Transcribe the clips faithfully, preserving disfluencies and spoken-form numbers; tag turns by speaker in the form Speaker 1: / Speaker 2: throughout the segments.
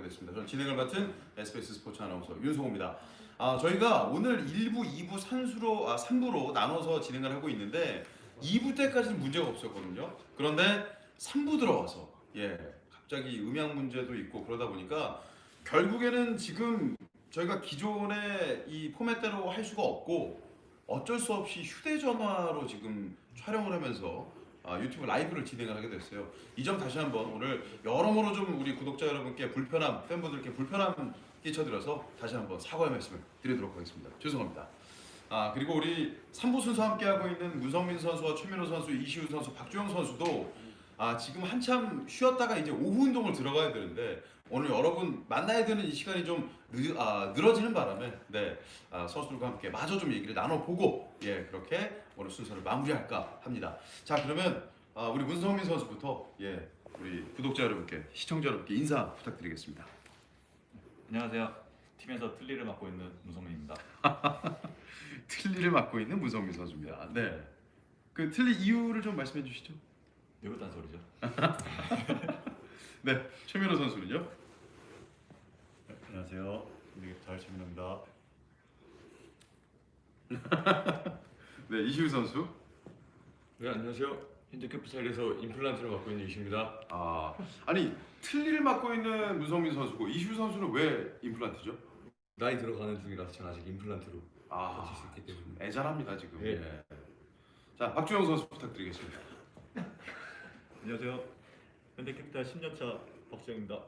Speaker 1: 됐습니다. 저는 진행을 맡은 에스비에스 스포츠 아나운서 윤성호입니다. 아, 저희가 오늘 일 부, 이 부 산수로, 아, 삼 부로 나눠서 진행을 하고 있는데 이 부 때까지는 문제가 없었거든요. 그런데 삼 부 들어와서 예, 갑자기 음향 문제도 있고 그러다 보니까 결국에는 지금 저희가 기존의 이 포맷대로 할 수가 없고 어쩔 수 없이 휴대전화로 지금 촬영을 하면서 아, 유튜브 라이브를 진행을 하게 됐어요. 이 점 다시 한번 오늘 여러모로 좀 우리 구독자 여러분께 불편함, 팬분들께 불편함 끼쳐드려서 다시 한번 사과의 말씀을 드리도록 하겠습니다. 죄송합니다. 아, 그리고 우리 삼 부 순서 함께하고 있는 문성민 선수와 최민호 선수, 이시우 선수, 박주영 선수도 아, 지금 한참 쉬었다가 이제 오후 운동을 들어가야 되는데 오늘 여러분 만나야 되는 이 시간이 좀 늘, 아, 늘어지는 바람에 네, 아, 선수들과 함께 마저 좀 얘기를 나눠보고 예, 그렇게 오늘 순서를 마무리할까 합니다. 자, 그러면 아, 우리 문성민 선수부터 예, 우리 구독자 여러분께, 시청자 여러분께 인사 부탁드리겠습니다.
Speaker 2: 안녕하세요. 팀에서 틀니를 맡고 있는 문성민입니다.
Speaker 1: 틀니를 맡고 있는 문성민 선수입니다. 네, 그 틀니 이유를 좀 말씀해 주시죠.
Speaker 2: 늙었다는 소리죠.
Speaker 1: 네, 최민호 선수는요?
Speaker 3: 네, 안녕하세요. 잘 최민호입니다.
Speaker 1: 네, 이시우 선수.
Speaker 4: 네, 안녕하세요. 현대캐피탈에서 임플란트를 맡고 있는 이시입니다.
Speaker 1: 아, 아니 틀니를 맡고 있는 문성민 선수고 이시우 선수는 왜 임플란트죠?
Speaker 4: 나이 들어가는 중이라서 저는 아직 임플란트로
Speaker 1: 아,
Speaker 4: 버틸 수 있기 때문에.
Speaker 1: 애잘합니다 지금.
Speaker 4: 예.
Speaker 1: 예. 자, 박주영 선수 부탁드리겠습니다.
Speaker 3: 안녕하세요. 현대캐피탈 십 년 차 박주영입니다.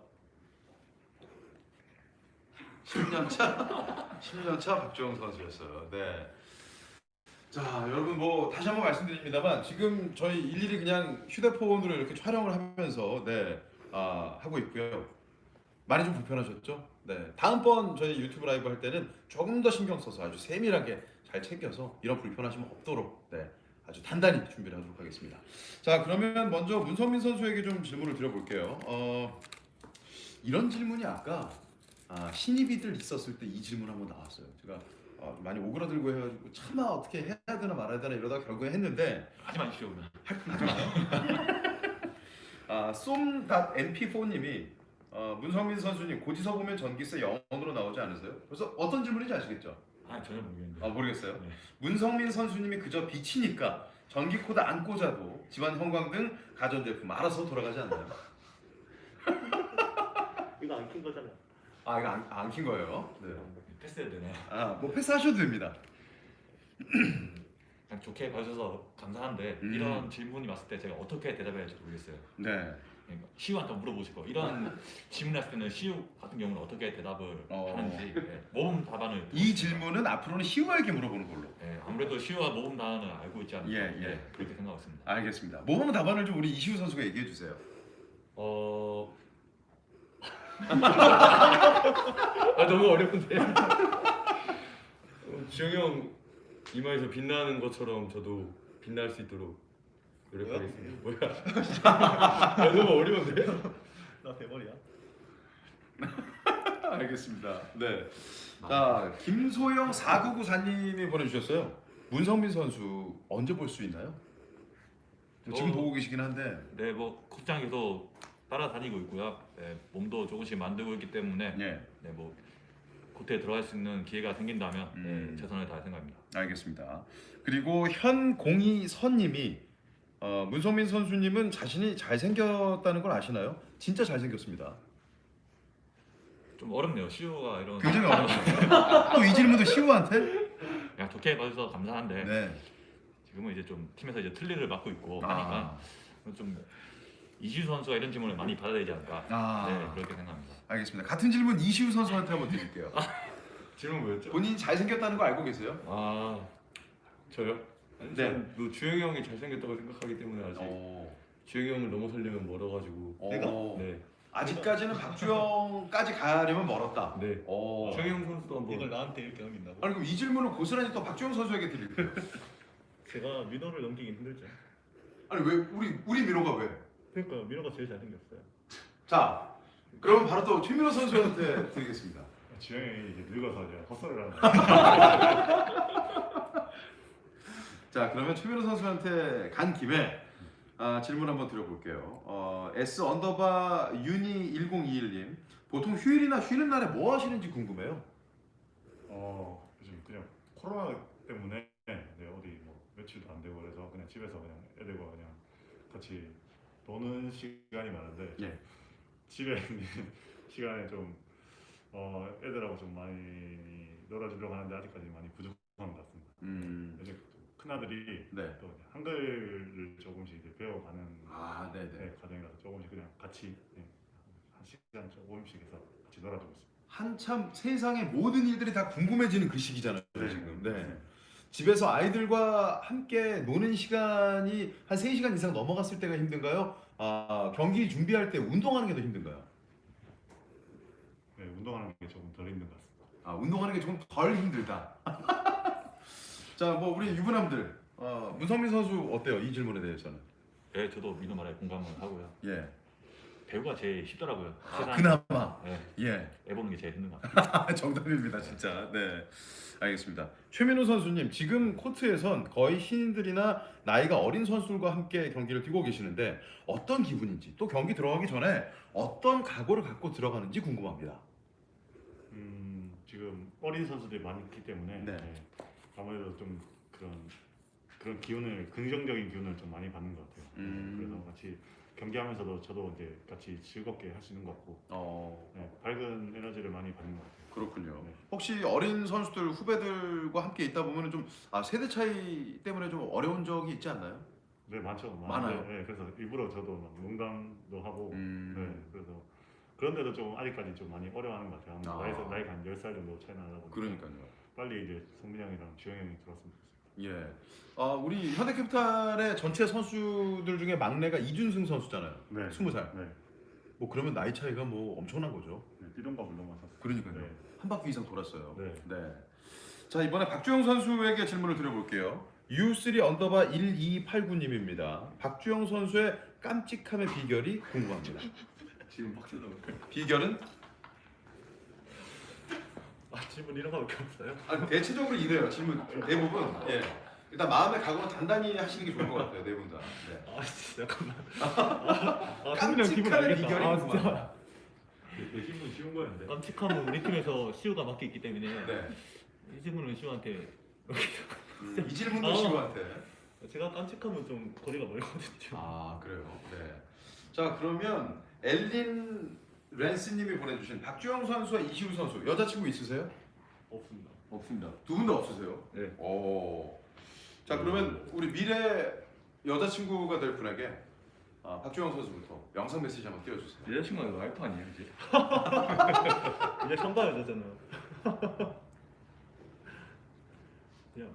Speaker 1: 십 년 차, 십 년 차 박주영 선수였어요. 네. 자, 여러분 뭐 다시 한번 말씀드립니다만 지금 저희 일일이 그냥 휴대폰으로 이렇게 촬영을 하면서 네, 아, 하고 있고요. 많이 좀 불편하셨죠? 네. 다음번 저희 유튜브 라이브 할 때는 조금 더 신경 써서 아주 세밀하게 잘 챙겨서 이런 불편하심 없도록 네, 아주 단단히 준비를 하도록 하겠습니다. 자, 그러면 먼저 문성민 선수에게 좀 질문을 드려볼게요. 어, 이런 질문이 아까 아, 신입이들 있었을 때 이 질문 한번 나왔어요. 제가 어, 많이 오그라들고 해가지고 차마 어떻게 해야 되나 말아야 되나 이러다가 결국에 했는데
Speaker 2: 하지 마십시오. 그냥.
Speaker 1: 하지 마요. 아, 쏨.엠피사님이 어, 문성민 선수님 고지서 보면 전기세 영원으로 나오지 않으세요? 그래서 어떤 질문인지 아시겠죠?
Speaker 2: 아 전혀 모르겠는데.
Speaker 1: 아, 모르겠어요.
Speaker 2: 네.
Speaker 1: 문성민 선수님이 그저 빛이니까 전기 코드 안 꽂아도 집안 형광 등 가전제품 알아서 돌아가지 않나요?
Speaker 3: 이거 안 킨 거잖아요.
Speaker 1: 아, 이거 안, 안 킨 거예요. 네.
Speaker 2: 패스해야 되나요?
Speaker 1: 아, 뭐 패스하셔도 됩니다.
Speaker 2: 그냥 좋게 봐주셔서 감사한데
Speaker 1: 음.
Speaker 2: 이런 질문이 왔을 때 제가 어떻게 대답해야 할지 모르겠어요.
Speaker 1: 네.
Speaker 2: 그러니까 시우한테 물어보시고 이런 질문 했을 때는 시우 같은 경우는 어떻게 대답을
Speaker 1: 어.
Speaker 2: 하는지 네, 모범 답안을
Speaker 1: 이
Speaker 2: 들었습니다.
Speaker 1: 질문은 앞으로는 시우에게 물어보는 걸로.
Speaker 2: 네, 아무래도 시우가 모범 답안을 알고 있지 않을까
Speaker 1: 예, 예.
Speaker 2: 네, 그렇게 생각하고 있습니다.
Speaker 1: 알겠습니다. 모범 답안을 좀 우리 이시우 선수가 얘기해 주세요.
Speaker 4: 어, 아 너무 어려운데. 어, 주영이 형 이마에서 빛나는 것처럼 저도 빛날 수 있도록 노력하겠습니다. 뭐야? 야, 너무 어려운데?
Speaker 3: 나 대머리야.
Speaker 1: 알겠습니다. 네. 자, 김소영 사구구사님이 보내주셨어요. 문성민 선수 언제 볼 수 있나요? 지금
Speaker 2: 어.
Speaker 1: 보고 계시긴 한데.
Speaker 2: 네, 뭐 극장에서 따라다니고 있고요. 네, 몸도 조금씩 만들고 있기 때문에
Speaker 1: 네.
Speaker 2: 네, 뭐 코트에 들어갈 수 있는 기회가 생긴다면
Speaker 1: 음.
Speaker 2: 네, 최선을 다할 생각입니다.
Speaker 1: 알겠습니다. 그리고 현공이선님이 어, 문성민 선수님은 자신이 잘생겼다는 걸 아시나요? 진짜 잘생겼습니다.
Speaker 2: 좀 어렵네요. 시우가 이런
Speaker 1: 굉장히 어렵죠. 또 이 질문도 시우한테?
Speaker 2: 그냥 좋게 봐주셔서 감사한데
Speaker 1: 네.
Speaker 2: 지금은 이제 좀 팀에서 이제 틀니를 맡고 있고
Speaker 1: 아.
Speaker 2: 하니까 좀 이시우 선수가 이런 질문을 많이 받아야 되지 않을까.
Speaker 1: 아.
Speaker 2: 네, 그렇게 생각합니다.
Speaker 1: 알겠습니다. 같은 질문 이시우 선수한테 한번 드릴게요.
Speaker 4: 질문 뭐였죠?
Speaker 1: 본인이 잘생겼다는 거 알고 계세요?
Speaker 4: 아, 저요? 아니,
Speaker 1: 네.
Speaker 4: 네. 뭐 주영이 형이 잘생겼다고 생각하기 때문에 아직
Speaker 1: 어.
Speaker 4: 주영이 형을 넘어서려면 멀어가지고.
Speaker 1: 어.
Speaker 4: 네,
Speaker 1: 아직까지는 박주영까지 가려면 멀었다.
Speaker 4: 네.
Speaker 1: 어.
Speaker 4: 주영이 형 선수도 한번.
Speaker 3: 이걸 나한테 이렇게 넘긴다고?
Speaker 1: 아니 그럼 이 질문을 고스란히 또 박주영 선수에게 드릴게요.
Speaker 3: 제가 민호를 넘기긴 힘들죠.
Speaker 1: 아니 왜 우리 우리 민호가 왜?
Speaker 3: 그러니까 민호가 제일 잘생겼어요.
Speaker 1: 자, 그럼 바로 또 최민호 선수한테 드리겠습니다.
Speaker 3: 주영이 이제 늙어서 이제 헛소리를 하는.
Speaker 1: 자, 그러면 최민호 선수한테 간 김에 아, 질문 한번 드려볼게요. 어, S 언더바 유니 일공이일님 보통 휴일이나 쉬는 날에 뭐 하시는지 궁금해요.
Speaker 3: 어 요즘 그냥 코로나 때문에 네, 어디 뭐 외출도 안 되고 그래서 그냥 집에서 그냥 애들과 그냥 같이 노는 시간이 많은데
Speaker 1: 예.
Speaker 3: 집에 있는 시간에 좀 어, 애들하고 좀 많이 놀아주려고 하는데 아직까지 많이 부족한 것 같습니다.
Speaker 1: 음.
Speaker 3: 요즘 큰 아들이
Speaker 1: 네.
Speaker 3: 또 한글을 조금씩 이제 배워가는
Speaker 1: 아, 네네.
Speaker 3: 네, 과정이라서 조금씩 그냥 같이 네, 한 시간 조금씩 해서 같이 놀아주고 있습니다.
Speaker 1: 한참 세상의 모든 일들이 다 궁금해지는 그 시기잖아요. 지금. 네.
Speaker 3: 맞습니다.
Speaker 1: 집에서 아이들과 함께 노는 시간이 한 세 시간 이상 넘어갔을 때가 힘든가요? 아, 경기 준비할 때 운동하는 게 더 힘든가요?
Speaker 3: 네, 운동하는 게 조금 덜 힘든 것 같습니다.
Speaker 1: 아, 운동하는 게 조금 덜 힘들다. 자, 뭐 우리 유부남들 어, 문성민 선수 어때요? 이 질문에 대해서는.
Speaker 2: 예, 저도 민호 말에 공감을 하고요.
Speaker 1: 예.
Speaker 2: 배우가 제일 쉽더라고요.
Speaker 1: 아,
Speaker 2: 세상에.
Speaker 1: 그나마.
Speaker 2: 예,
Speaker 1: 예.
Speaker 2: 애 보는 게 제일 힘든 것 같아요.
Speaker 1: 정답입니다, 진짜. 네. 알겠습니다. 최민호 선수님, 지금 코트에선 거의 신인들이나 나이가 어린 선수들과 함께 경기를 뛰고 계시는데 어떤 기분인지, 또 경기 들어가기 전에 어떤 각오를 갖고 들어가는지 궁금합니다.
Speaker 3: 음, 지금 어린 선수들이 많이 있기 때문에
Speaker 1: 네.
Speaker 3: 네, 아무래도 좀 그런 그런 기운을 긍정적인 기운을 좀 많이 받는 것 같아요.
Speaker 1: 음.
Speaker 3: 그래서 같이 경기하면서도 저도 이제 같이 즐겁게 할 수 있는 것 같고
Speaker 1: 어,
Speaker 3: 네, 밝은 에너지를 많이 받는 것 같아요.
Speaker 1: 그렇군요.
Speaker 3: 네.
Speaker 1: 혹시 어린 선수들 후배들과 함께 있다 보면 좀 아, 세대 차이 때문에 좀 어려운 적이 있지 않나요?
Speaker 3: 네, 많죠.
Speaker 1: 많아요?
Speaker 3: 많은데, 네, 그래서 일부러 저도 막 농담도 하고
Speaker 1: 음.
Speaker 3: 네, 그래서 그런데도 좀 아직까지 좀 많이 어려워하는 것 같아요. 아무래도
Speaker 1: 아.
Speaker 3: 나이가 나이가 한 열 살 정도 차이 나다 보니까
Speaker 1: 그러니까요.
Speaker 3: 빨리 이제 성민 형이랑 주영 형이 들어왔으면 좋겠어요.
Speaker 1: 예. 아, 우리 현대캐피탈의 전체 선수들 중에 막내가 이준승 선수잖아요.
Speaker 3: 네.
Speaker 1: 스무 살.
Speaker 3: 네.
Speaker 1: 뭐 그러면 나이 차이가 뭐 엄청난 거죠.
Speaker 3: 네, 띠동과 물동만 샀어요.
Speaker 1: 그러니까요.
Speaker 3: 네.
Speaker 1: 한 바퀴 이상 돌았어요.
Speaker 3: 네.
Speaker 1: 자, 이번에 박주영 선수에게 질문을 드려볼게요. 유쓰리 언더바 일이팔구님입니다. 박주영 선수의 깜찍함의 비결이 궁금합니다.
Speaker 4: 지금 막 쳐다보고.
Speaker 1: 비결은?
Speaker 4: 아 질문 이런 거밖에 없어요?
Speaker 1: 아, 대체적으로 이래요. 질문 대부분. 예. 일단 마음의 각오는 단단히 하시는 게 좋을 것 같아요. 네 분 다. 네.
Speaker 4: 아 진짜 잠깐만. 아, 성민이 형 기분
Speaker 1: 깜찍함의
Speaker 4: 알겠다.
Speaker 1: 비결이
Speaker 4: 아,
Speaker 1: 궁금합니다.
Speaker 3: 내 질문 쉬운 거였는데.
Speaker 2: 깜찍함은 우리 팀에서 시우가 맡기 있기 때문에
Speaker 1: 네.
Speaker 2: 이 질문은 시우한테
Speaker 1: 음, 이 질문도
Speaker 2: 어.
Speaker 1: 시우한테.
Speaker 2: 제가 깜찍함은 좀 거리가 멀거든요.
Speaker 1: 아, 그래요. 네. 자, 그러면 엘린 랜스님이 보내주신 박주영 선수와 이시우 선수 여자친구 있으세요?
Speaker 3: 없습니다.
Speaker 1: 없습니다. 두 분 다 없으세요?
Speaker 4: 네.
Speaker 1: 오. 자, 그러면 우리 미래 여자친구가 될 분에게 아, 박주영 선수부터 영상 메시지 한번 띄워주세요.
Speaker 4: 여자친구가 와이프 아니에요 이제?
Speaker 2: 이제 상가 여자잖아요. 그냥.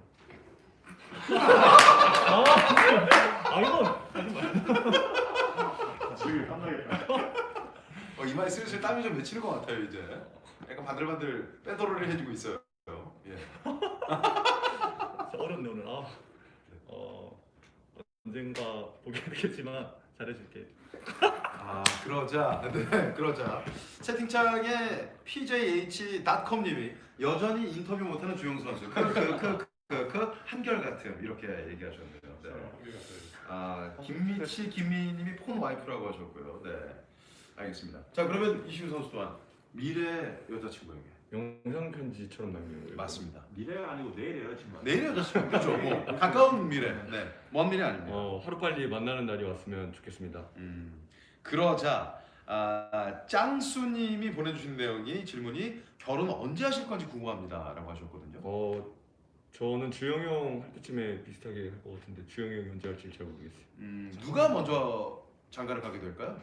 Speaker 2: 아, 아 이건 하지 마.
Speaker 3: 지금 깜나겠다.
Speaker 1: 어, 이마에 슬슬 땀이 좀 맺히는 것 같아요 이제. 약간 바들바들 빼돌이를 해주고 있어요. 예.
Speaker 2: 진짜 어렵네 오늘. 아, 어 언젠가 보게 되겠지만 잘해줄게.
Speaker 1: 아, 그러자, 네, 그러자 채팅창에 피제이에이치 닷컴님이 여전히 인터뷰 못하는 주영 선수, 그그그그 그, 그, 한결 같음 이렇게 얘기하셨네요. 네. 아, 김미치 김미님이 폰 와이프라고 하셨고요. 네, 알겠습니다. 자, 그러면 이시우 선수 또한 미래 여자친구에게.
Speaker 4: 영상 편지처럼 남기는 거예요.
Speaker 1: 맞습니다.
Speaker 3: 미래가 아니고 내일의 여자친구.
Speaker 1: 내일 여자친구 그렇죠. 뭐 가까운 미래, 네, 먼 미래 아닙니다.
Speaker 4: 어 하루 빨리 만나는 날이 왔으면 좋겠습니다.
Speaker 1: 음, 그러자 아, 짱수님이 보내주신 내용이 질문이 결혼 언제 하실 건지 궁금합니다라고 하셨거든요.
Speaker 4: 어 저는 주영 형 할 때쯤에 비슷하게 할 것 같은데 주영 형이 언제 할지 잘 모르겠어요.
Speaker 1: 음, 누가 먼저 장가를 가게 될까요?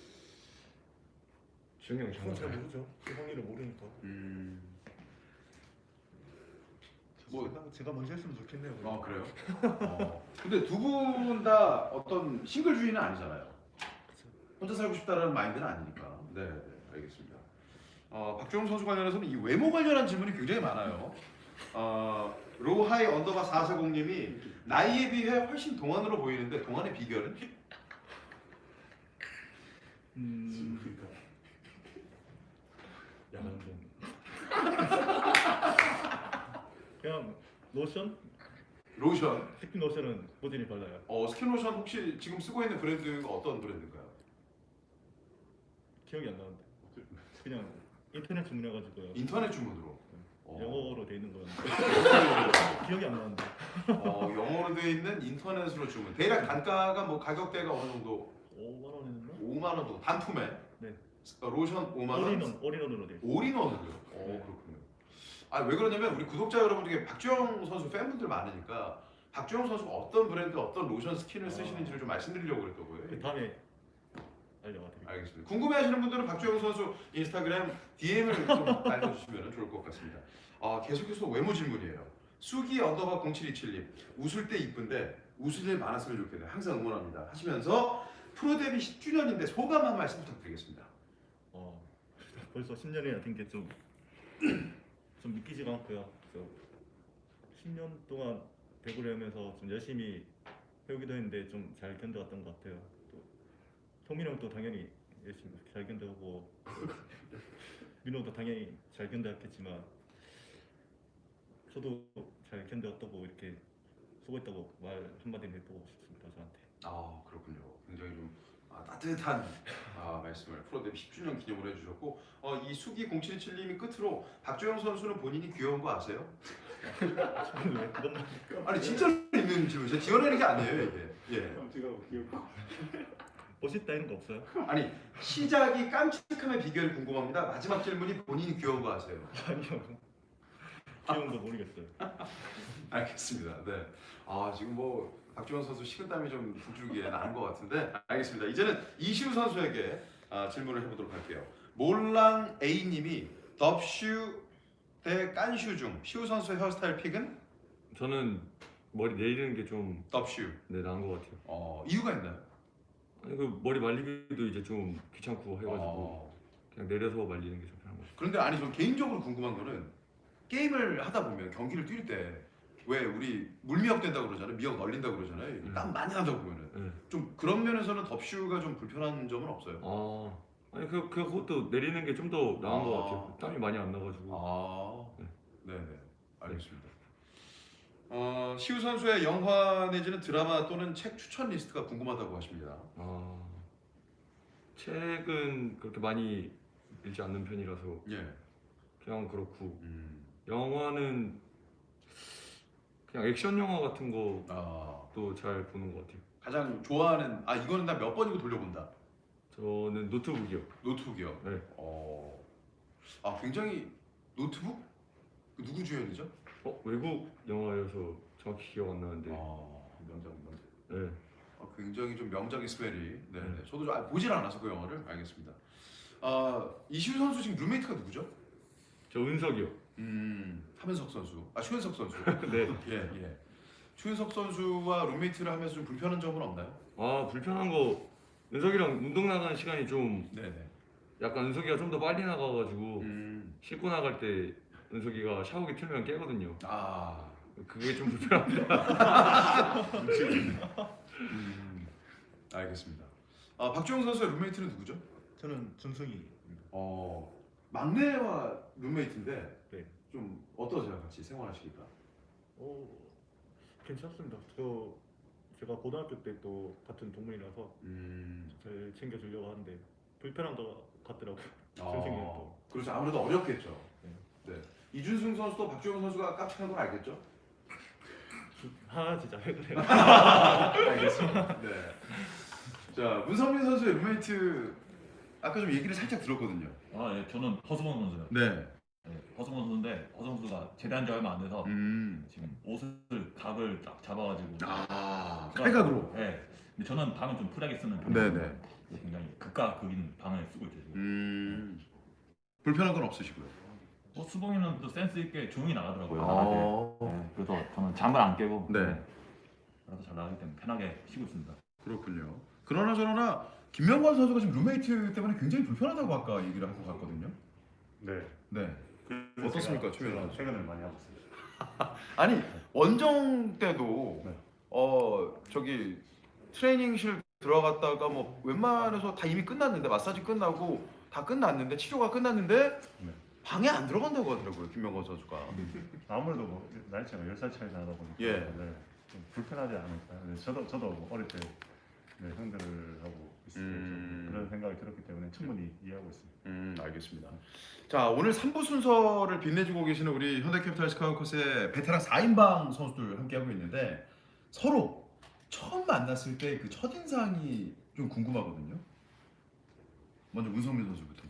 Speaker 4: 주영 형이
Speaker 2: 그건 잘
Speaker 4: 장난.
Speaker 2: 모르죠. 그 확률을 모르니까.
Speaker 1: 음,
Speaker 2: 뭐 제가 먼저 했으면 좋겠네요.
Speaker 1: 아 그래요? 어, 근데 두 분 다 어떤 싱글주의는 아니잖아요. 혼자 살고 싶다라는 마인드는 아니니까. 네, 네, 알겠습니다. 어, 박주영 선수 관련해서는 이 외모 관련한 질문이 굉장히 많아요. 어, 로하이 언더바 사사공님이 나이에 비해 훨씬 동안으로 보이는데 동안의 비결은?
Speaker 2: 음,
Speaker 4: 야간 좀.
Speaker 2: 그냥 로션?
Speaker 1: 로션.
Speaker 2: 스킨 로션은 꾸준히 발라요.
Speaker 1: 어, 스킨 로션 혹시 지금 쓰고 있는 브랜드가 어떤 브랜드인가요?
Speaker 2: 기억이 안 나는데.
Speaker 3: 그냥 인터넷 주문해가지고요.
Speaker 1: 인터넷 주문으로. 어.
Speaker 3: 영어로 돼 있는 건 기억이 안 나는데.
Speaker 1: 어, 영어로 되어 있는 인터넷으로 주문. 대략 단가가 뭐 가격대가 어느 정도?
Speaker 3: 오만 원이었나?
Speaker 1: 오만 원 정도. 단품에.
Speaker 3: 네.
Speaker 1: 어, 로션 오만 원.
Speaker 3: 올인원 올인원으로 돼 있어요.
Speaker 1: 올인원으로요. 어,
Speaker 3: 네.
Speaker 1: 그렇군요. 아, 왜 그러냐면 우리 구독자 여러분 중에 박주영 선수 팬분들 많으니까 박주영 선수가 어떤 브랜드, 어떤 로션 스킨을 쓰시는지를 좀 말씀드리려고 그랬더고요.
Speaker 3: 그 다음에 알려드릴게요.
Speaker 1: 알겠습니다. 궁금해하시는 분들은 박주영 선수 인스타그램 디엠을 좀 알려주시면 좋을 것 같습니다. 아, 계속해서 외모 질문이에요. 수기 언더바 공칠이칠님 웃을 때 이쁜데 웃을 일 많았으면 좋겠네요. 항상 응원합니다. 하시면서 프로 데뷔 십 주년인데 소감 한 말씀 부탁드리겠습니다.
Speaker 3: 어, 벌써 십 년이나 된 게 좀 좀 믿기지가 않고요. 그래서 십 년 동안 배구를 하면서 좀 열심히 배우기도 했는데 좀 잘 견뎌왔던 것 같아요. 또 성민 형도 당연히 열심히 잘 견뎌오고 민호도 당연히 잘 견뎌왔겠지만 저도 잘 견뎌왔다고 이렇게 수고했다고 말 한마디는 해보고 싶습니다. 저한테.
Speaker 1: 아, 그렇군요. 굉장히 좀 아, 따뜻한 아, 말씀을 프로 데뷔 십 주년 기념으로 해주셨고 어, 이 수기 공칠이칠님이 끝으로 박주영 선수는 본인이 귀여운 거 아세요?
Speaker 3: 저는 왜 그것만
Speaker 1: 아니 진짜로 있는 질문. 제가 지어내는 게 아니에요 이게. 예.
Speaker 3: 제가 귀엽고 멋있다 이런 거 없어요?
Speaker 1: 아니 시작이 깜찍함의 비결이 궁금합니다. 마지막 질문이 본인이 귀여운 거 아세요?
Speaker 3: 아니요. 귀여운 거 모르겠어요.
Speaker 1: 알겠습니다. 네. 아 지금 뭐 박주영 선수 식은땀이 좀 북줄기에 나는 것 같은데 알겠습니다. 이제는 이시우 선수에게 아, 질문을 해보도록 할게요. 몰랑 A님이 덥슈 대 깐슈 중 시우 선수의 헤어스타일 픽은
Speaker 4: 저는 머리 내리는 게 좀
Speaker 1: 덥슈.
Speaker 4: 네, 나은 것 같아요.
Speaker 1: 어 이유가 있나요?
Speaker 4: 아니 그 머리 말리기도 이제 좀 귀찮고 해가지고
Speaker 1: 어,
Speaker 4: 그냥 내려서 말리는 게 좀 편한 것 같아요.
Speaker 1: 그런데 아니 저 개인적으로 궁금한 거는 게임을 하다 보면 경기를 뛸 때 왜 우리 물미역 된다고 그러잖아요. 미역 널린다고 그러잖아요.
Speaker 4: 음.
Speaker 1: 땀 많이 난다고 보면은
Speaker 4: 네.
Speaker 1: 좀 그런 면에서는 덥슈가 좀 불편한 점은 없어요.
Speaker 4: 아 아니 그 그- 그것도 내리는 게 좀 더 나은
Speaker 1: 아.
Speaker 4: 것 같아요. 땀이 많이 안 나가지고.
Speaker 1: 아,
Speaker 4: 네.
Speaker 1: 네네, 알겠습니다. 어, 시우 선수의 영화 내지는 드라마 또는 책 추천 리스트가 궁금하다고 하십니다.
Speaker 4: 아 책은 그렇게 많이 읽지 않는 편이라서
Speaker 1: 예.
Speaker 4: 그냥 그렇고
Speaker 1: 음.
Speaker 4: 영화는 그냥 액션 영화 같은 것도
Speaker 1: 아,
Speaker 4: 잘 보는 것 같아요.
Speaker 1: 가장 좋아하는 아 이거는 나 몇 번이고 돌려본다.
Speaker 4: 저는 노트북이요.
Speaker 1: 노트북이요.
Speaker 4: 네.
Speaker 1: 어, 아 굉장히 노트북? 그 누구 주연이죠?
Speaker 4: 어 외국 영화여서 정확히 기억 안 나는데.
Speaker 1: 아, 명작 명작.
Speaker 4: 네.
Speaker 1: 아, 굉장히 좀 명작의 스멜이. 네,
Speaker 4: 네.
Speaker 1: 저도 좀 아, 보질 않아서 그 영화를 알겠습니다. 아 이시우 선수 지금 룸메이트가 누구죠?
Speaker 4: 저 은석이요.
Speaker 1: 음, 하면석 선수. 아 추현석 선수.
Speaker 4: 네.
Speaker 1: 예, 예. 추현석 선수와 룸메이트를 하면서 좀 불편한 점은 없나요?
Speaker 4: 아 불편한 거 은석이랑 운동 나가는 시간이 좀
Speaker 1: 네네.
Speaker 4: 약간 은석이가 좀 더 빨리 나가가지고
Speaker 1: 음,
Speaker 4: 씻고 나갈 때 은석이가 샤워기 틀면 깨거든요.
Speaker 1: 아,
Speaker 4: 그게 좀 불편합니다.
Speaker 1: 음, 알겠습니다. 아 박주영 선수의 룸메이트는 누구죠?
Speaker 3: 저는 준승이.
Speaker 1: 어, 막내와 룸메이트인데
Speaker 3: 네.
Speaker 1: 좀 어떠세요 같이 생활하시니까?
Speaker 3: 어, 괜찮습니다. 저 제가 고등학교 때 또 같은 동문이라서
Speaker 1: 음,
Speaker 3: 잘 챙겨주려고 하는데 불편한 것 같더라고요.
Speaker 1: 아,
Speaker 3: 준승이는 또.
Speaker 1: 그렇죠. 아무래도 어렵겠죠.
Speaker 3: 네.
Speaker 1: 네. 이준승 선수도 박주영 선수가 깜찍한 건 알겠죠?
Speaker 3: 아 진짜 왜 그래요?
Speaker 1: 알겠습니다. 네. 자 문성민 선수의 룸메이트 아까 좀 얘기를 살짝 들었거든요.
Speaker 2: 아, 예, 저는 허수범 선수요.
Speaker 1: 네.
Speaker 2: 예, 허수범 선수인데 허수범 선수가 제대한 지 얼마 안 돼서
Speaker 1: 음.
Speaker 2: 지금 옷을 각을 딱 잡아가지고.
Speaker 1: 아
Speaker 2: 그래갖고,
Speaker 1: 칼각으로.
Speaker 2: 예. 근데 저는 방을 좀 풀하게 쓰는
Speaker 1: 네네.
Speaker 2: 편이에요. 굉장히 극과 극인 방을 쓰고 있죠 지금.
Speaker 1: 음. 불편한 건 없으시고요.
Speaker 2: 뭐 수봉이는 또 센스 있게 조용히 나가더라고요.
Speaker 1: 아.
Speaker 2: 네, 그래서 저는 잠을 안 깨고.
Speaker 1: 네.
Speaker 2: 그래서 잘 나가기 때문에 편하게 쉬고 있습니다.
Speaker 1: 그렇군요. 그러나 저러나 김명관 선수가 지금 룸메이트 때문에 굉장히 불편하다고 아까 얘기를 하고 갔거든요.
Speaker 3: 네.
Speaker 1: 네.
Speaker 3: 그래서
Speaker 1: 어떻습니까,
Speaker 3: 제가-
Speaker 1: 최근에?
Speaker 3: 제가 퇴근을 많이 하고 있습니다.
Speaker 1: 아니 원정 때도
Speaker 3: 네.
Speaker 1: 어 저기 트레이닝실 들어갔다가 뭐 웬만해서 다 이미 끝났는데 마사지 끝나고 다 끝났는데 치료가 끝났는데
Speaker 3: 네.
Speaker 1: 방에 안 들어간다고 하더라고요 김명건 선수가.
Speaker 3: 아무래도 뭐 나이 차가 열 살 차이 나다 보니까
Speaker 1: 예.
Speaker 3: 네, 좀 불편하지 않을까요? 네, 저도 저도 뭐 어릴 때 네, 상대를 하고 있을 때
Speaker 1: 음.
Speaker 3: 좀 그런 생각이 들었기 때문에 충분히 이해하고 있습니다.
Speaker 1: 음, 알겠습니다. 자, 오늘 삼 부 순서를 빛내주고 계시는 우리 현대캐피탈 스카우커스의 베테랑 사 인방 선수들 함께 하고 있는데 서로 처음 만났을 때 그 첫인상이 좀 궁금하거든요. 먼저 문성민 선수부터.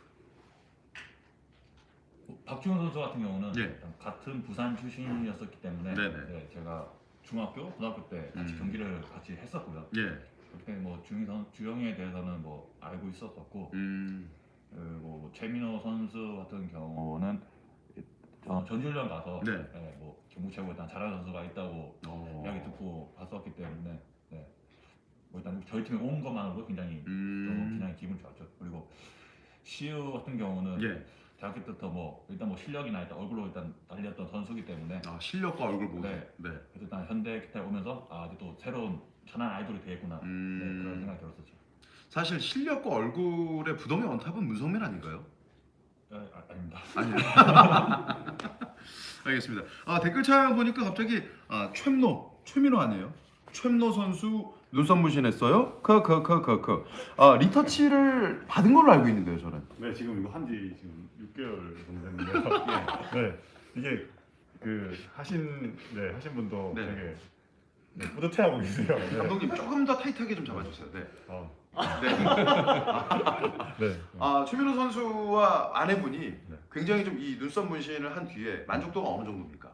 Speaker 2: 박주영 선수 같은 경우는
Speaker 1: 예.
Speaker 2: 일단 같은 부산 출신이었었기 때문에
Speaker 1: 네네.
Speaker 2: 네, 제가 중학교, 고등학교 때 같이
Speaker 1: 음.
Speaker 2: 경기를 같이 했었고요.
Speaker 1: 예.
Speaker 2: 그렇게 뭐 주영 선 주영에 대해서는 뭐 알고 있었었고
Speaker 1: 음.
Speaker 2: 그리고 최민호 선수 같은 경우는 어, 전지훈련 가서
Speaker 1: 네.
Speaker 2: 네, 뭐 경북 최고 일단 잘하는 선수가 있다고
Speaker 1: 어.
Speaker 2: 이야기 듣고 갔었기 때문에 네. 뭐 일단 저희 팀에 온 것만으로도 굉장히 좀
Speaker 1: 음.
Speaker 2: 굉장히 기분 좋았죠. 그리고 시우 같은 경우는
Speaker 1: 예.
Speaker 2: 대학교 때부터 뭐 일단 뭐 실력이나 일단 얼굴로 일단 날렸던 선수기 때문에
Speaker 1: 아, 실력과 얼굴 모두.
Speaker 2: 네.
Speaker 1: 네.
Speaker 2: 그래서 일단 현대 기타에 오면서 아 이제 또 새로운 천한 아이돌이 되겠구나
Speaker 1: 음.
Speaker 2: 네, 그런 생각이 들었었죠.
Speaker 1: 사실 실력과 얼굴의 부동의 원탑은 문성민 아닌가요?
Speaker 2: 아, 아, 아닙니다.
Speaker 1: 아니요. 알겠습니다. 아, 댓글창 보니까 갑자기 아, 최민호, 최민호 아니에요? 최민호 선수 눈썹 문신했어요? 크크크크크. 아, 리터치를 받은 걸로 알고 있는데요, 저는.
Speaker 3: 네, 지금 이거 한지 지금 육 개월 정도 됐는데요. 네, 이게 그 하신 네 하신 분도
Speaker 1: 네.
Speaker 3: 되게 네, 뿌듯해하고 계세요. 네.
Speaker 1: 감독님 조금 더 타이트하게 좀 잡아주세요. 네.
Speaker 3: 아,
Speaker 1: 네.
Speaker 3: 네.
Speaker 1: 아, 최민호 선수와 아내분이
Speaker 3: 네.
Speaker 1: 굉장히 좀 이 눈썹 문신을 한 뒤에 만족도가 어느 정도입니까?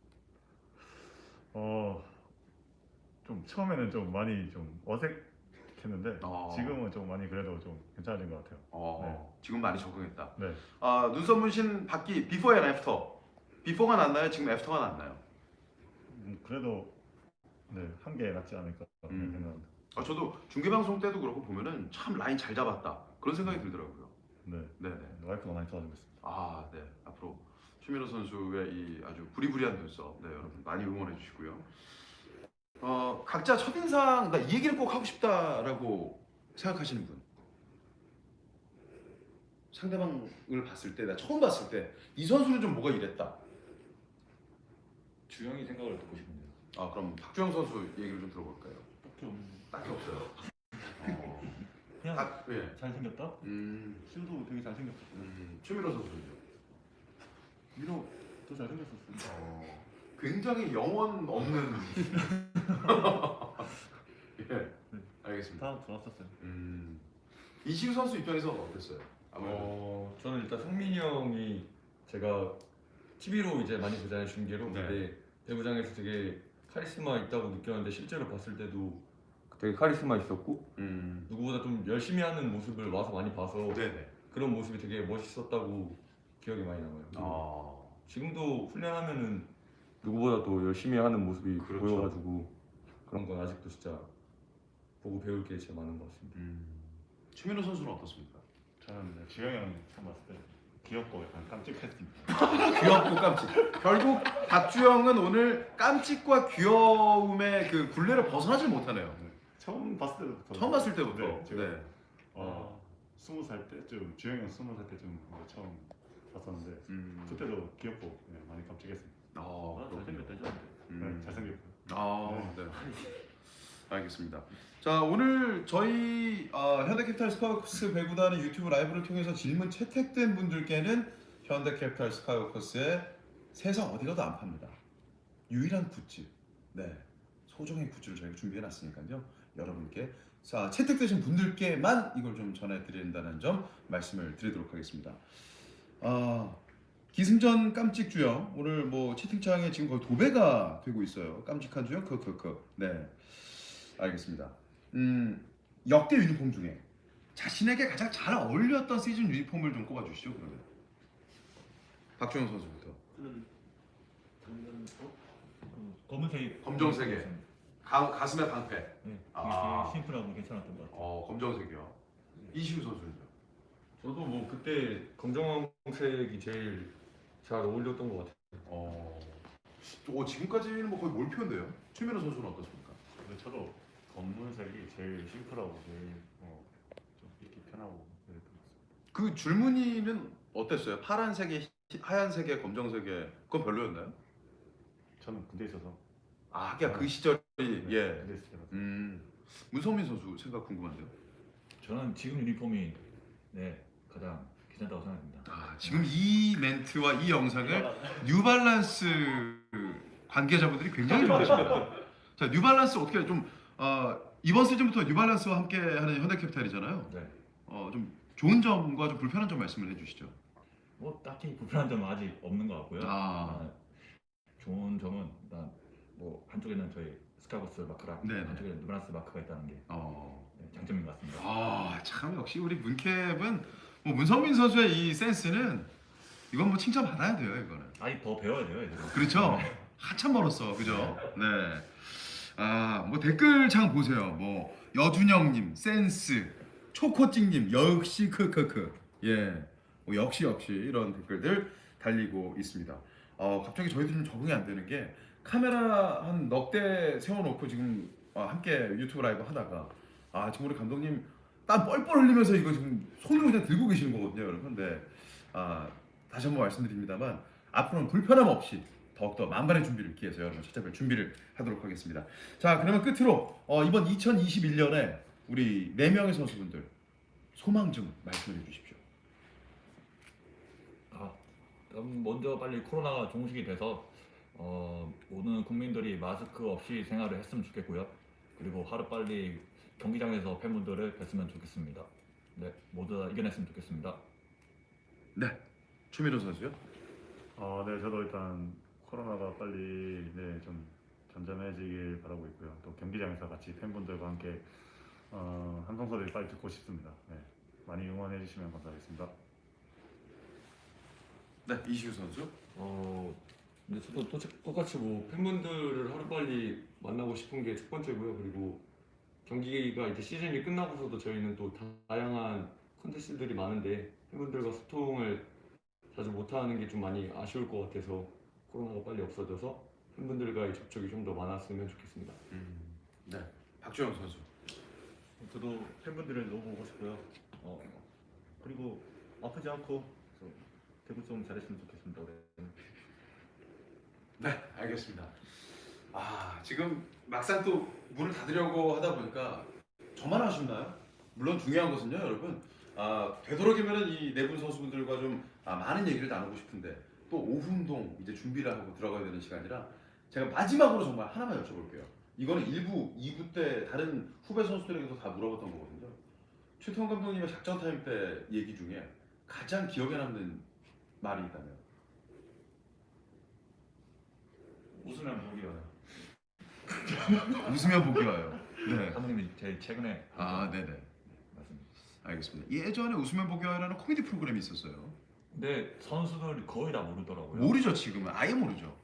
Speaker 3: 어, 좀 처음에는 좀 많이 좀 어색했는데
Speaker 1: 어.
Speaker 3: 지금은 좀 많이 그래도 좀 괜찮아진 것 같아요.
Speaker 1: 어, 지금 많이 적응했다.
Speaker 3: 네.
Speaker 1: 아, 눈썹 문신 받기 비포 앤 애프터. 비포가 낫나요? 지금 애프터가 낫나요?
Speaker 3: 음, 그래도 네, 한 개 낫지 않을까
Speaker 1: 음.
Speaker 3: 생각합니다.
Speaker 1: 아, 저도 중계 방송 때도 그렇고 보면은 참 라인 잘 잡았다 그런 생각이 들더라고요.
Speaker 3: 네.
Speaker 1: 네네.
Speaker 3: 와이프가 많이 도와주고 있습니다.
Speaker 1: 아, 네. 앞으로 최민호 선수의 이 아주 부리부리한 눈썹, 네 여러분 많이 응원해 주시고요. 어, 각자 첫인상 나 이 얘기를 꼭 하고 싶다라고 생각하시는 분. 상대방을 봤을 때, 나 처음 봤을 때 이 선수는 좀 뭐가 이랬다.
Speaker 2: 주영이 생각을 듣고 싶은데요.
Speaker 1: 아, 그럼 박주영 선수 얘기를 좀 들어볼까요?
Speaker 2: 딱히 없는.
Speaker 1: 딱히 없어요. 어,
Speaker 2: 그냥
Speaker 1: 딱, 예.
Speaker 2: 잘생겼다.
Speaker 1: 음,
Speaker 3: 슈도 되게 잘생겼어.
Speaker 1: 음, 최민호 선수는요.
Speaker 3: 민호 더 잘생겼었어요.
Speaker 1: 어, 굉장히 영혼 없는. 예, 알겠습니다.
Speaker 3: 다 좋았었어요.
Speaker 1: 음, 이시우 선수 입장에서 어땠어요? 아무래도.
Speaker 4: 어, 저는 일단 성민이 형이 제가 티비로 이제 많이 보잖아요, 중계로.
Speaker 1: 네.
Speaker 4: 근데 배구장에서 되게 카리스마 있다고 느꼈는데 실제로 봤을 때도 되게 카리스마 있었고
Speaker 1: 음,
Speaker 4: 누구보다 좀 열심히 하는 모습을 와서 많이 봐서
Speaker 1: 네네.
Speaker 4: 그런 모습이 되게 멋있었다고 기억이 많이 남아요.
Speaker 1: 아,
Speaker 4: 지금도 훈련하면은 누구보다 더 열심히 하는 모습이
Speaker 1: 그렇죠.
Speaker 4: 보여가지고 그런 건 아직도 진짜 보고 배울 게 진짜 많은 것 같습니다.
Speaker 1: 음, 최민호 선수는 어떻습니까?
Speaker 3: 저는 네, 지영이 형 처음 봤을 때 귀엽고 약간 깜찍했습니다.
Speaker 1: 귀엽고 깜찍. 결국 박주영은 오늘 깜찍과 귀여움의 그 굴레를 벗어나질 못하네요.
Speaker 3: 네, 처음 봤을 때부터
Speaker 1: 처음 봤을 때부터.
Speaker 3: 네, 제가
Speaker 1: 네.
Speaker 3: 어, 스무 살 때쯤 주영이 형 스무 살 때쯤 이제 처음 봤었는데
Speaker 1: 음,
Speaker 3: 그때도 귀엽고 네, 많이 깜찍했습니다.
Speaker 1: 아,
Speaker 2: 아,
Speaker 1: 그렇군요.
Speaker 2: 잘생겼다 죠.
Speaker 3: 네,
Speaker 1: 음.
Speaker 3: 잘생겼고.
Speaker 1: 아, 네. 알겠습니다. 자, 오늘 저희 어, 현대캐피탈 스카이워커스 배구단의 유튜브 라이브를 통해서 질문 채택된 분들께는 현대캐피탈 스카이워커스의 세상 어디 가도 안 팝니다. 유일한 굿즈, 네, 소정의 굿즈를 저희가 준비해놨으니까요. 여러분께 자, 채택되신 분들께만 이걸 좀 전해드린다는 점 말씀을 드리도록 하겠습니다. 아, 기승전 깜찍 주영 오늘 뭐 채팅창에 지금 거의 도배가 되고 있어요. 깜찍한 주영 크크크. 네, 알겠습니다. 음, 역대 유니폼 중에 자신에게 가장 잘 어울렸던 시즌 유니폼을 좀 꼽아주시죠. 그러면 박주영 선수부터.
Speaker 2: 저는 작년 어? 그 검은색
Speaker 1: 검정색에. 가, 가슴에 방패.
Speaker 2: 네,
Speaker 1: 아.
Speaker 2: 되게 심플하고 괜찮았던 것 같아요.
Speaker 1: 어, 검정색이요. 이시우 선수는요.
Speaker 4: 저도 뭐 그때 검정색이 제일 잘 어울렸던 것 같아요.
Speaker 1: 어, 오, 지금까지는 뭐 거의 몰표인데요. 최민호 선수는 어떻습니까?
Speaker 3: 근데 저도 검은색이 제일 심플하고 제일 어, 좀 입기 편하고 그랬던 것 같습니다.
Speaker 1: 그 줄무늬는 어땠어요? 파란색에 히- 하얀색에 검정색에 그건 별로였나요?
Speaker 3: 저는 군대 있어서
Speaker 1: 아, 하긴 그 시절이
Speaker 3: 네,
Speaker 1: 예.
Speaker 3: 군대 있을 때라서
Speaker 1: 음, 문성민 선수 생각 궁금한데요.
Speaker 2: 저는 지금 유니폼이 네 가장 괜찮다고 생각합니다.
Speaker 1: 아, 지금 이 멘트와 이 영상을 뉴발란스 관계자분들이 굉장히 좋아하십니다. 자, 뉴발란스 어떻게 좀 어, 이번 시즌부터 뉴발란스와 함께하는 현대캐피탈이잖아요.
Speaker 2: 네.
Speaker 1: 어, 좀 좋은 점과 좀 불편한 점 말씀을 해주시죠.
Speaker 2: 뭐 딱히 불편한 점은 아직 없는 것 같고요.
Speaker 1: 아.
Speaker 2: 아, 좋은 점은 일단 뭐 한쪽에는 저희 스카버스 마크랑
Speaker 1: 네네.
Speaker 2: 한쪽에는 누브란스 마크가 있다는 게
Speaker 1: 어.
Speaker 2: 네, 장점인 것 같습니다.
Speaker 1: 아, 참 역시 우리 문캡은 뭐 문성민 선수의 이 센스는 이건 뭐 칭찬 받아야 돼요, 이거는.
Speaker 2: 아직 더 배워야 돼요, 이제.
Speaker 1: 그렇죠? 한참 멀었어, 그죠? 네. 아, 뭐 댓글창 보세요. 뭐 여준영님, 센스, 초코찡님, 역시 크크크. 예, 뭐 역시 역시 이런 댓글들 달리고 있습니다. 어, 갑자기 저희들 좀 적응이 안 되는 게 카메라 한 넉 대 세워놓고 지금 어, 함께 유튜브 라이브 하다가 아 지금 우리 감독님 땀 뻘뻘 흘리면서 이거 지금 손으로 그냥 들고 계시는 거거든요, 여러분. 근데 아 다시 한번 말씀드립니다만 앞으로는 불편함 없이 더욱더 만반의 준비를 기해서 여러분 찾아뵐 준비를 하도록 하겠습니다. 자, 그러면 끝으로 어, 이번 이천이십일 년에 우리 네 명의 선수분들 소망 좀 말씀해 주십시오.
Speaker 2: 아, 그럼 먼저 빨리 코로나가 종식이 돼서 어, 모든 국민들이 마스크 없이 생활을 했으면 좋겠고요. 그리고 하루 빨리 경기장에서 팬분들을 뵀으면 좋겠습니다. 네, 모두 다 이겨냈으면 좋겠습니다.
Speaker 1: 네, 최민호 선수요.
Speaker 3: 어, 네, 저도 일단 코로나가 빨리 네, 좀 잠잠해지길 바라고 있고요. 또 경기장에서 같이 팬분들과 함께 어, 함성 소리 빨리 듣고 싶습니다. 네, 많이 응원해 주시면 감사하겠습니다.
Speaker 1: 네, 이시우 선수.
Speaker 4: 어, 근데 저도 또- 똑같이 뭐 팬분들을 하루 빨리 만나고 싶은 게 첫 번째고요. 그리고 경기가 이제 시즌이 끝나고서도 저희는 또 다양한 콘텐츠들이 많은데 팬분들과 소통을 자주 못하는 게 좀 많이 아쉬울 것 같아서 코로나가 빨리 없어져서 팬분들과의 접촉이 좀 더 많았으면 좋겠습니다.
Speaker 1: 음, 네, 박주영 선수.
Speaker 3: 저도 팬분들을 너무 보고 싶고요. 어, 그리고 아프지 않고 좀 대구 좀 잘했으면 좋겠습니다. 올해는.
Speaker 1: 네, 알겠습니다. 아, 지금 막상 또 문을 닫으려고 하다 보니까 저만 아쉽나요? 물론 중요한 것은요, 여러분. 아, 되도록이면 이 네 분 선수분들과 좀 아, 많은 얘기를 나누고 싶은데 또 오후 운동 이제 준비를 하고 들어가야 되는 시간이라 제가 마지막으로 정말 하나만 여쭤볼게요. 이거는 일 부, 이 부 때 다른 후배 선수들에게도 다 물어봤던 거거든요. 최태원 감독님의 작전 타임 때 얘기 중에 가장 기억에 남는 말이 있다면?
Speaker 2: 웃으면 보기 와요.
Speaker 1: 웃으며 보기 와요. 네.
Speaker 2: 감독님이 제일 최근에
Speaker 1: 아, 네네.
Speaker 2: 맞습니다.
Speaker 1: 알겠습니다. 예전에 웃으면 보기 와요라는 코미디 프로그램이 있었어요.
Speaker 2: 근데 선수들 거의 다 모르더라고요.
Speaker 1: 모르죠, 지금은. 아예 모르죠.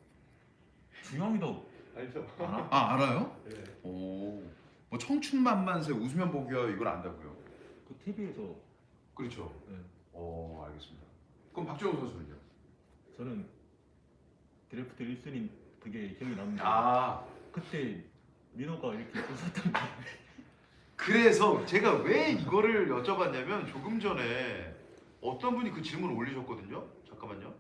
Speaker 2: 주영이도
Speaker 4: 알죠?
Speaker 2: 알아?
Speaker 1: 아, 알아요?
Speaker 4: 네.
Speaker 1: 오. 뭐 청춘만만세 웃으면 보기 와요 이걸 안다고요?
Speaker 2: 그 티비에서
Speaker 1: 그렇죠.
Speaker 2: 네.
Speaker 1: 오, 알겠습니다. 그럼 박주영 선수는요?
Speaker 2: 저는 드래프트 일 순위 그게 기억이 남는데
Speaker 1: 아,
Speaker 2: 그때 민호가 이렇게 웃었던 게
Speaker 1: 그래서 제가 왜 이거를 여쭤봤냐면 조금 전에 어떤 분이 그 질문을 올리셨거든요. 잠깐만요.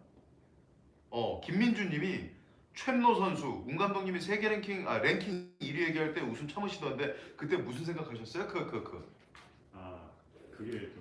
Speaker 1: 어, 김민주님이 최민호 선수, 운 감독님이 세계 랭킹 아 랭킹 일 위 얘기할 때 웃음 참으시던데 그때 무슨 생각하셨어요? 그 그 그.
Speaker 3: 아, 그게 좀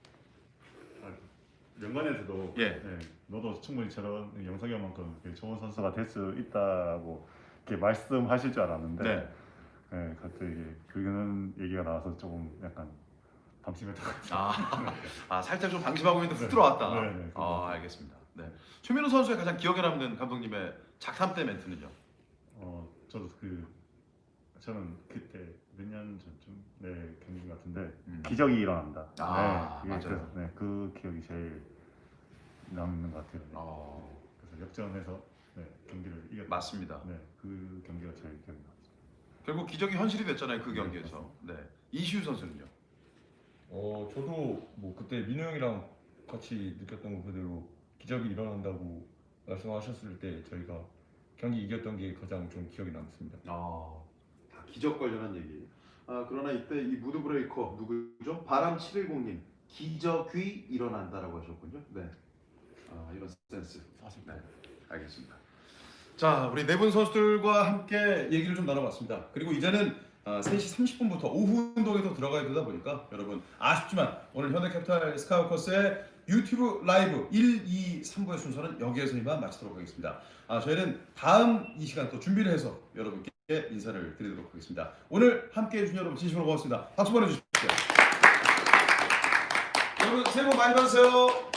Speaker 3: 아, 연관에서도
Speaker 1: 예.
Speaker 3: 네, 너도 충분히 저런 영석이 형만큼 좋은 선수가 될 수 있다고 이렇게 말씀하실 줄 알았는데
Speaker 1: 네.
Speaker 3: 네, 갑자기 그런 얘기가 나와서 조금 약간 방심했던 것 같아요.
Speaker 1: 아, 아 살짝 좀 방심하고 있는데 훅 들어왔다.
Speaker 3: 네, 네,
Speaker 1: 아, 알겠습니다. 네. 최민호 선수의 가장 기억에 남는 감독님의 작탐 때 멘트는요?
Speaker 3: 어, 저도 그 저는 그때 몇 년 전쯤 네 경기 같은데
Speaker 1: 음.
Speaker 3: 기적이 일어난다.
Speaker 1: 아,
Speaker 3: 네, 그게
Speaker 1: 맞아요.
Speaker 3: 그, 네, 그 기억이 제일 남는 것 같아요. 네.
Speaker 1: 어,
Speaker 3: 그래서 역전해서 네, 경기를 이겼다.
Speaker 1: 맞습니다.
Speaker 3: 네, 그 경기가 제일 기억이 나죠.
Speaker 1: 결국 기적이 현실이 됐잖아요 그 경기에서. 네. 이시우 선수는요?
Speaker 4: 어, 저도 뭐 그때 민호 형이랑 같이 느꼈던 거 그대로 기적이 일어난다고 말씀하셨을 때 저희가 경기 이겼던 게 가장 좀 기억에 남습니다.
Speaker 1: 아, 다 기적 관련한 얘기. 아, 그러나 이때 이 무드 브레이커 누구죠? 바람 칠백십님 기적이 일어난다라고 하셨군요. 네. 아, 이런 센스. 네. 알겠습니다. 자, 우리 네 분 선수들과 함께 얘기를 좀 나눠봤습니다. 그리고 이제는 아, 세 시 삼십 분부터 오후 운동에 또 들어가야 되다 보니까 여러분 아쉽지만 오늘 현대캐피탈 스카우커스의 유튜브 라이브 일, 이, 삼 부의 순서는 여기에서 이만 마치도록 하겠습니다. 아, 저희는 다음 이 시간 또 준비를 해서 여러분께 인사를 드리도록 하겠습니다. 오늘 함께해 주신 여러분 진심으로 고맙습니다. 박수 보내주십시오. 여러분 새해 복 많이 받으세요.